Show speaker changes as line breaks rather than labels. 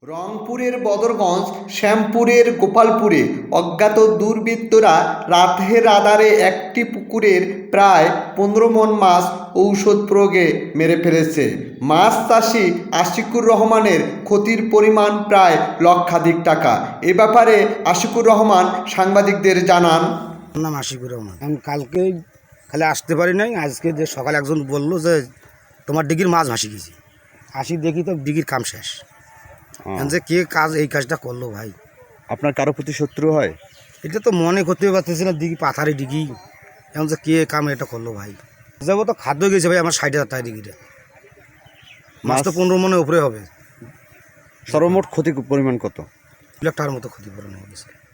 রংপুরের বদরগঞ্জ শ্যামপুরের গোপালপুরে অজ্ঞাত দুর্বৃত্তরা রাতের আঁধারে একটি পুকুরের প্রায় 15 মণ মাছ ঔষধ প্রয়োগে মেরে ফেলেছে। মাছ চাষি আশিকুর রহমানের ক্ষতির পরিমাণ প্রায় লক্ষাধিক টাকা। এ ব্যাপারে আশিকুর রহমান সাংবাদিকদের জানান,
নাম আশিকুর রহমান। আমি কালকে খালি আসতে পারি নাই, আজকে যে সকালে একজন বললো যে তোমার ডিগির মাছ ভাসি গেছি, আসি দেখি তো ডিগির কাম শেষ। যে কে কাজ এই কাজটা করলো ভাই?
আপনার কারো প্রতি শত্রু হয়?
এটা তো মনে করতে পারতেছি না, দিঘি পাথারি ডিগি, এখন যে কে কাম এটা করলো ভাই? যাবো তো খাদ্য গেছে ভাই আমার 60,000 টাকা ডিগিটা, মাছ তো 15 মণের উপরে হবে।
সর্বমোট ক্ষতির পরিমাণ কত?
2 লাখ টাকার মতো ক্ষতিপূরণ হয়ে গেছে।